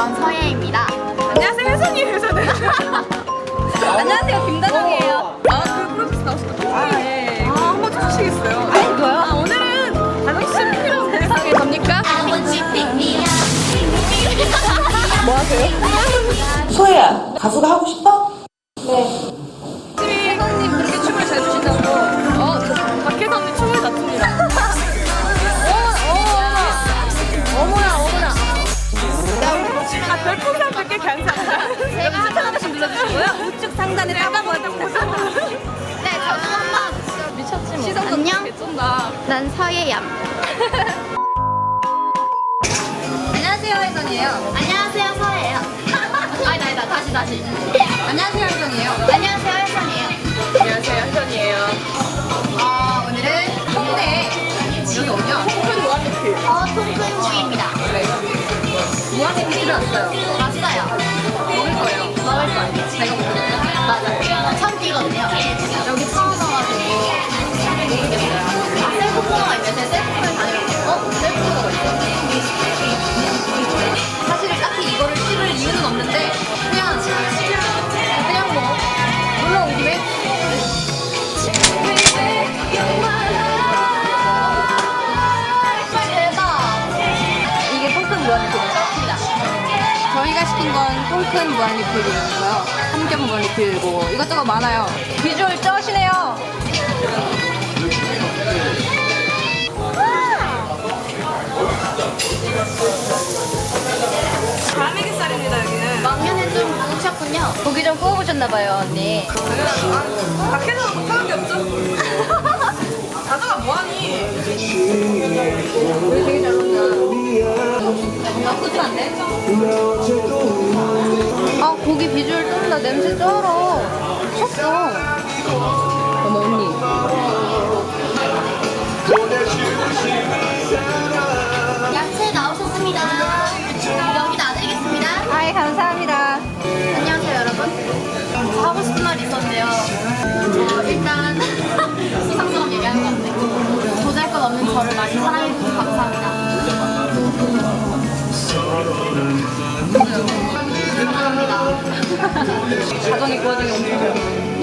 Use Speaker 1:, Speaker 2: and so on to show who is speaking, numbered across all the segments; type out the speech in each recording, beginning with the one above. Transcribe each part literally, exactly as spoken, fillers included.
Speaker 1: 전 서예입니다.
Speaker 2: 안녕하세요, 혜선이에요, 저는.
Speaker 1: 안녕하세요, 김다정이에요.
Speaker 2: 아, 그 프로젝트 나오셨다. 아, 네. 아, 한번 쳐주시겠어요?
Speaker 1: 아, 이거요?
Speaker 2: 아, 오늘은 다정 씨를 필요한 세상에 겁니까? 뭐 하세요?
Speaker 3: 소혜야, 가수가 하고 싶어?
Speaker 2: 혜선님 그렇게 춤을 잘 추신다고. 어, 박혜선님 춤을 다 춥니다. 어머나, 어머나, 어머나. 아, 별풍선 백 개 감사합니다.
Speaker 1: 제가
Speaker 2: 추천 한 번씩 눌러주시고요.
Speaker 1: 우측 상단에 따다보였습니다. 네, 저도 한번
Speaker 2: 미쳤지 뭐.
Speaker 1: 시선도 안녕.
Speaker 2: 개쩐다.
Speaker 1: 난 서예얌.
Speaker 2: 안녕하세요, 혜선이에요.
Speaker 1: 안녕하세요, 서예요. 아니다, 아니다, 다시, 다시.
Speaker 2: 안녕하세요, 혜선이에요.
Speaker 1: 안녕하세요, 혜선이에요.
Speaker 2: 안녕하세요, 혜선이에요.
Speaker 1: 어, 오늘은
Speaker 2: 홍대. 여기 어디야? 큰 무한리필.
Speaker 1: 어, 통근무입니다.
Speaker 2: 무한리필을 왔어요.
Speaker 1: 왔어요.
Speaker 2: 먹을 거예요.
Speaker 1: 먹을 거예요.
Speaker 2: 제가 먹을게요.
Speaker 1: 맞아요. 처음 뛰거든요. 여기 처음 와가지고 모르겠어요. 아, 셀프 코너가 있어요. 제가 셀프를 다녀왔고, 어? 셀프 코너가 있어요.
Speaker 2: 사실 딱히 이거를 씹을 이유는 없는데 그냥 그냥 뭐 놀러 온 김에
Speaker 1: 대박.
Speaker 2: 이게 통큰 무한리필이죠?
Speaker 1: 그렇습니다.
Speaker 2: 저희가 시킨 건 통큰 무한리필이고요. 삼겹 무한리필이고 이것저것 많아요. 비주얼 쩌시네요. 갈매기살입니다 여기는.
Speaker 1: 막년에 좀 뭉쳤군요.
Speaker 2: 고기 좀 구워보셨나봐요 언니.
Speaker 3: 아,
Speaker 2: 밖에서 못하는 게 없죠? 다정아 뭐하니? 우리 되게 잘 먹냐? 나쁘지 않네? 아 고기 비주얼 쩐다. 냄새 쩔어. 미쳤어. 어머 언니.
Speaker 1: 야채 나오셨습니다. 여기 놔드리겠습니다.
Speaker 2: 아이 감사합니다.
Speaker 1: 안녕하세요, 여러분. 하고 싶은 말이 있었는데요. 어, 일단 수상스러운 얘기하는 것 같네. 보잘것 없는 저를 많이 사랑해주셔서 감사합니다. 감사합니다.
Speaker 2: 가정이 그 와중에 엄청 잘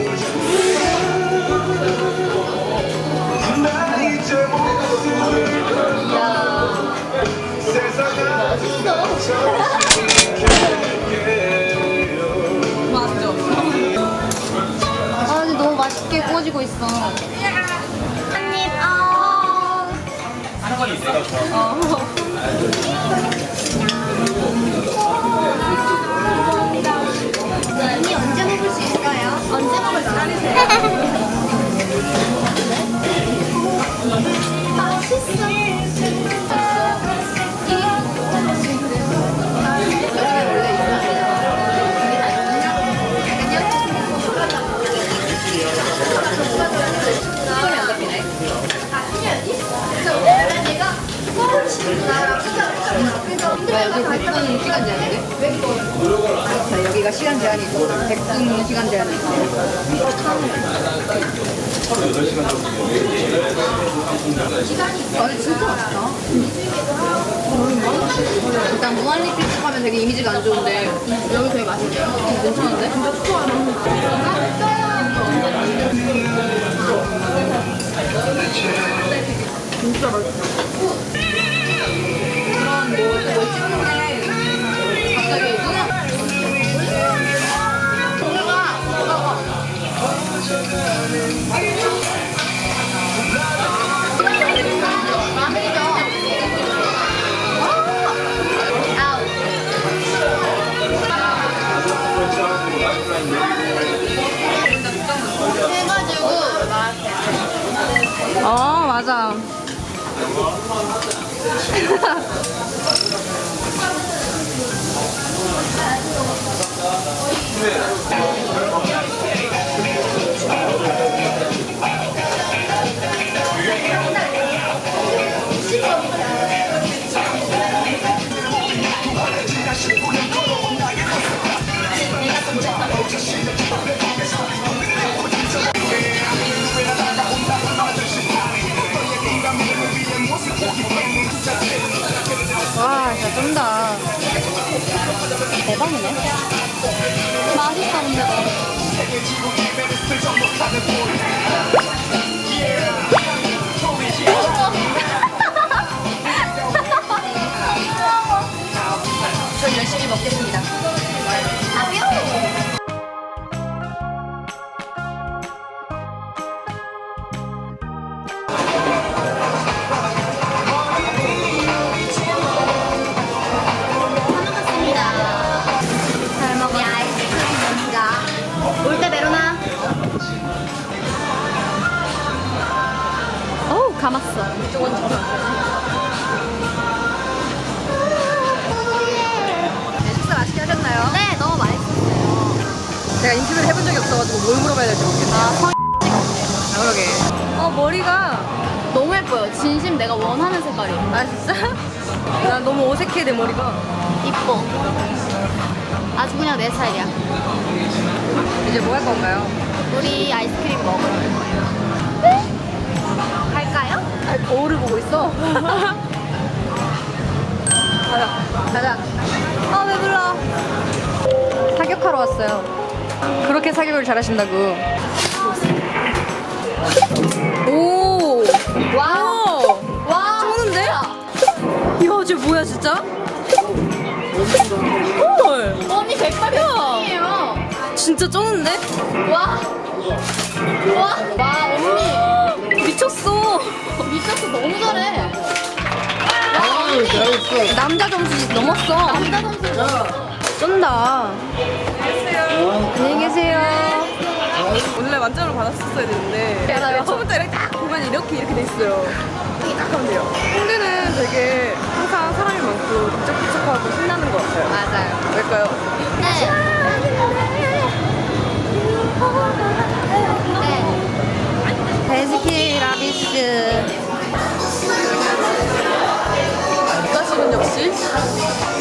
Speaker 2: 맛있죠? 아 근데 너무 맛있게 구워지고 있어.
Speaker 1: 한입, 아.
Speaker 2: 어.
Speaker 1: 언니 언제 먹을 수 있어요? 언제 먹을 수 있어요? 맛있어.
Speaker 2: 손이 안 잡히네. 나 여기 백 분 시간 제한인데? 자, 여기가 시간 제한이 있고 백 분 시간 제한이 있어. 아, 근데 진짜 맛있다. 일단 무한리필 집 하면 되게 이미지가 안 좋은데 여기 되게 맛있네요. 괜찮은데? 진짜 맛있어. 그런 뭐또 찍는데 갑자기 눈에
Speaker 1: 동료가 뭐가 마늘이죠. 아우. 해가지고
Speaker 2: 어 맞아. 와 진짜 쩐다.
Speaker 1: 대박이네. 맛있다, 근데 너.
Speaker 2: 전 열심히 먹겠습니다.
Speaker 1: 아, 귀여워. 잘 먹어. 아이스크림 올때 메로나. 어우, 감았어.
Speaker 2: 네, 식사 맛있게 하셨나요?
Speaker 1: 네, 너무 맛있었어요.
Speaker 2: 제가 인터뷰를 해본 적이 없어가지고 뭘 물어봐야 될지 모르겠네요.
Speaker 1: 아, 성
Speaker 2: 아, 그러게. 어, 머리가.
Speaker 1: 너무 예뻐요. 진심 내가 원하는 색깔이에요.
Speaker 2: 아, 진짜? 난 너무 어색해, 내 머리가.
Speaker 1: 이뻐. 아주 그냥 내 스타일이야.
Speaker 2: 이제 뭐 할 건가요?
Speaker 1: 우리 아이스크림 먹으러 갈 거예요. 네? 갈까요?
Speaker 2: 아, 거울을 보고 있어. 가자, 가자. 아, 왜 불러? 사격하러 왔어요. 그렇게 사격을 잘하신다고. 오!
Speaker 1: 와우. 와.
Speaker 2: 쩌는데? 이거 쟤 뭐야, 진짜? 헐!
Speaker 1: 언니 백발 백이에요.
Speaker 2: 진짜 쩌는데?
Speaker 1: 와. 와. 와, 언니.
Speaker 2: 미쳤어.
Speaker 1: 미쳤어. 너무 잘해. 와, 언니.
Speaker 2: 남자 점수 넘었어.
Speaker 1: 남자 선수.
Speaker 2: 쩐다. 안녕히 계세요.
Speaker 3: 원래 만점을 받았었어야 되는데
Speaker 2: 알아요.
Speaker 3: 처음부터 이렇게 딱 보면 이렇게 이렇게 돼 있어요. 이렇게 딱 하면 돼요. 홍대는 되게 항상 사람이 많고 북적북적하고 신나는 것 같아요.
Speaker 2: 맞아요.
Speaker 3: 왜일까요?
Speaker 1: 네. 네.
Speaker 2: 베스킨 라비스.
Speaker 3: 다시는 역시